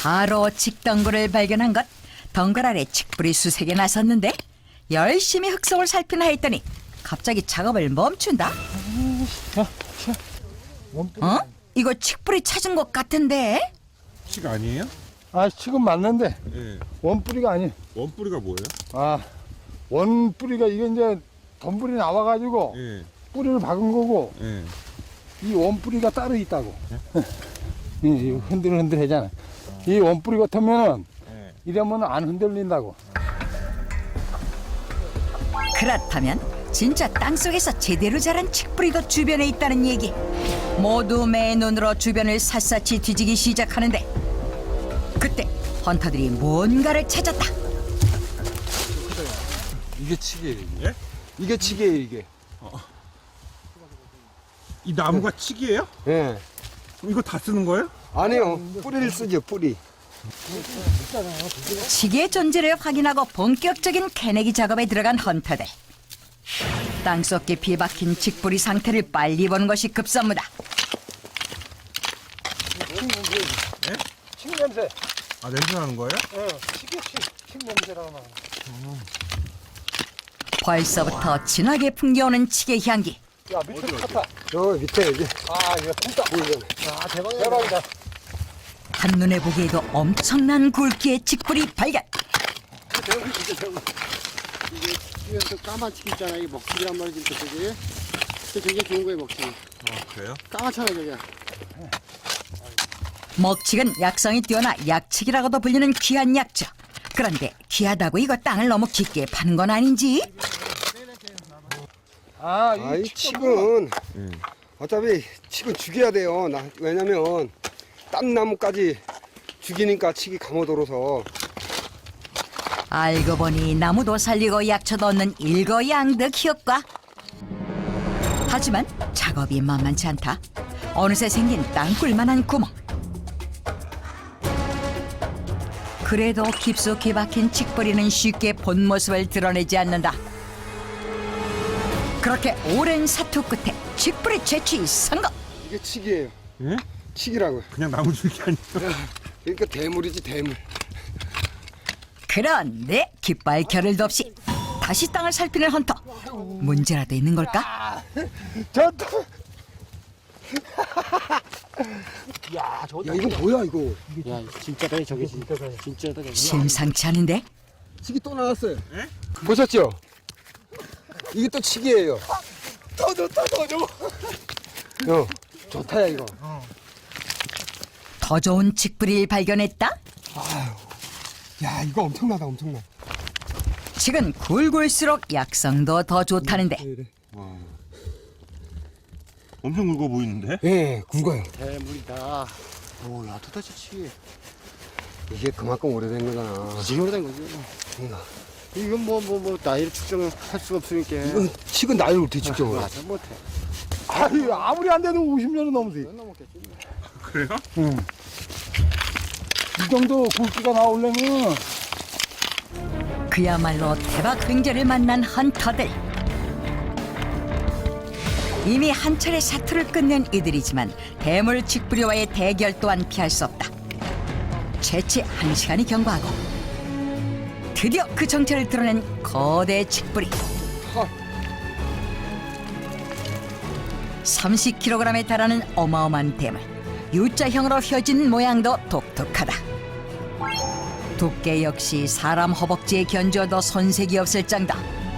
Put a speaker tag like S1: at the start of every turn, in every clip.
S1: 바로 칡덩굴을 발견한 것. 덩굴 아래 칡뿌리 수색에 나섰는데 열심히 흙속을 살피나 했더니 갑자기 작업을 멈춘다. 어? 이거 칡뿌리 찾은 것 같은데?
S2: 칡 아니에요?
S3: 아, 지금 맞는데
S2: 예.
S3: 원뿌리가 아니.
S2: 원뿌리가 뭐예요?
S3: 아, 원뿌리가 이게 이제 덤불이 나와가지고
S2: 예.
S3: 뿌리를 박은 거고
S2: 예.
S3: 이 원뿌리가 따로 있다고. 이 흔들흔들하잖아. 이 원뿌리 같으면은
S2: 예.
S3: 이러면 안 흔들린다고.
S1: 그렇다면 진짜 땅속에서 제대로 자란 칡뿌리도 주변에 있다는 얘기. 모두 맨눈으로 주변을 샅샅이 뒤지기 시작하는데 그때 헌터들이 뭔가를 찾았다.
S4: 이게 칡이에요.
S2: 예?
S4: 이게 칡이에요, 이게.
S2: 이 나무가 칡이에요?
S4: 예.
S2: 그럼 이거 다 쓰는 거예요?
S4: 아니요, 뿌리를 쓰죠, 뿌리.
S1: 칡의 존재를 확인하고 본격적인 캐내기 작업에 들어간 헌터들. 땅속 깊이 박힌 칡뿌리 상태를 빨리 보는 것이 급선무다.
S3: 칡 냄새.
S2: 아, 냄새 나는 거예요?
S3: 칡 냄새라고 나.
S1: 벌써부터 진하게 풍겨오는 칡의 향기.
S3: 야, 밑에 탔다.
S4: 저 밑에 여기.
S3: 아, 이거 พุ่다.
S4: 보이잖아요.
S3: 아, 대박이다.
S1: 한눈에 보기에도 엄청난 굵기의 칡뿌리 발견.
S5: 이게 또 까만 칡 있잖아. 이 먹칠이란 말이지, 저게. 되게 좋은 거예요, 먹칠.
S2: 그래요?
S5: 까맣잖아, 저게.
S1: 먹칡은 약성이 뛰어나 약칡이라고도 불리는 귀한 약초. 그런데 귀하다고 이거 땅을 너무 깊게 파는 건 아닌지?
S3: 아,
S4: 이
S3: 이
S4: 칡은 어차피 칡은 죽여야 돼요. 왜냐면 땀나무까지 죽이니까 칡이 감아들어서.
S1: 알고 보니 나무도 살리고 약초도 얻는 일거양득 효과. 하지만 작업이 만만치 않다. 어느새 생긴 땅굴만한 구멍. 그래도 깊숙이 박힌 칡뿌리는 쉽게 본 모습을 드러내지 않는다. 그렇게 오랜 사투 끝에 칡뿌리 채취 성공.
S4: 이게 칡이에요.
S2: 예?
S4: 칡이라고요.
S2: 그냥 나무 줄기 아니에요?
S4: 그러니까 대물이지, 대물.
S1: 그런데 깃발 겨를도 없이 다시 땅을 살피는 헌터. 문제라도 있는 걸까?
S3: 좋다.
S4: 야, 이거 뭐야, 이거.
S5: 야, 진짜다, 저게 진짜다. 진짜다, 저게.
S1: 심상치 않은데?
S4: 칡이 또 나왔어요. 보셨죠? 이게 또 칡이에요. 더 좋다, 더 좋아. 좋다야, 이거.
S1: 더 좋은 칡뿌리를 발견했다?
S4: 야, 이거 엄청나다, 엄청나.
S1: 칡은 굵을수록 약성도 더 좋다는데
S2: 엄청 굵어 보이는데?
S4: 예, 굵어요.
S5: 대물이다. 오, 야, 도대체 칡이.
S4: 이게 그만큼 오래된 거잖아.
S5: 지금 오래된 거지.
S4: 그러니까.
S5: 이건 나이를 측정할 수가 없으니까.
S4: 이건 칡은 나이를 어떻게 측정을 해?
S5: 맞아, 못해.
S3: 아니, 아무리 안 돼도 50년은 넘지.
S5: 넘었겠지.
S2: 그래요?
S3: 이 정도 굵기가 나오려면
S1: 그야말로 대박 횡재를 만난 헌터들. 이미 한 차례 사투를 끝낸 이들이지만 대물 칡뿌리와의 대결 또한 피할 수 없다. 채취 1시간이 경과하고 드디어 그 정체를 드러낸 거대 칡뿌리. 30kg에 달하는 어마어마한 대물. U자형으로 휘어진 모양도 독특하다. 두께 역시 사람 허벅지에 견주어도 손색이 없을 정도.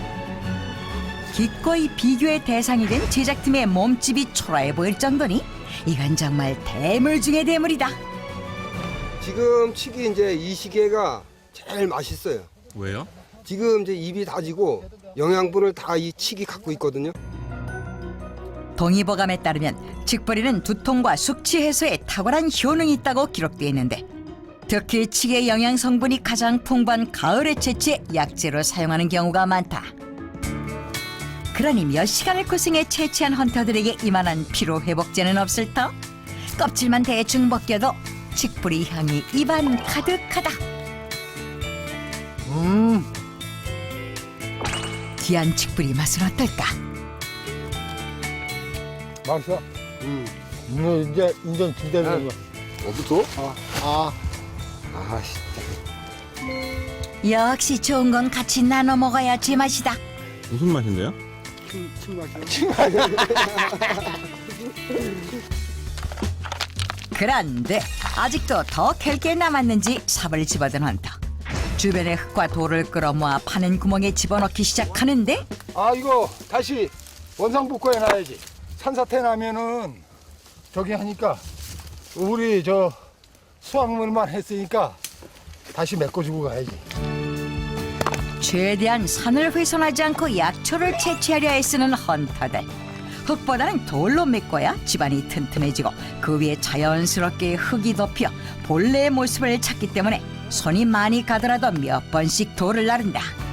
S1: 기꺼이 비교의 대상이 된 제작팀의 몸집이 초라해 보일 정도니 이건 정말 대물 중의 대물이다.
S4: 지금 칡이 이제 이 시기가 제일 맛있어요.
S2: 왜요?
S4: 지금 이제 입이 다지고 영양분을 다 이 칡이 갖고 있거든요.
S1: 동의보감에 따르면 칡뿌리는 두통과 숙취 해소에 탁월한 효능이 있다고 기록되어 있는데 특히 칡의 영양 성분이 가장 풍부한 가을에 채취해 약재로 사용하는 경우가 많다. 그러니 몇 시간을 고생해 채취한 헌터들에게 이만한 피로 회복제는 없을 터. 껍질만 대충 벗겨도 칡뿌리 향이 입안 가득하다. 귀한 칡뿌리 맛은 어떨까?
S3: 맛있어. 이제 인전 기다리는 거.
S4: 어부터?
S5: 아,
S4: 아씨.
S1: 역시 좋은 건 같이 나눠 먹어야 제맛이다.
S2: 무슨 맛인데요?
S1: 그런데 아직도 더 캘 게 남았는지 삽을 집어든 헌터. 주변의 흙과 돌을 끌어모아 파는 구멍에 집어넣기 시작하는데
S3: 아 이거 다시 원상복구해 놔야지. 산사태 나면은 저기 하니까 우리 저 수확물만 했으니까 다시 메꿔주고 가야지.
S1: 최대한 산을 훼손하지 않고 약초를 채취하려 애쓰는 헌터들. 흙보다는 돌로 메꿔야 집안이 튼튼해지고 그 위에 자연스럽게 흙이 덮여 본래의 모습을 찾기 때문에 손이 많이 가더라도 몇 번씩 돌을 나른다.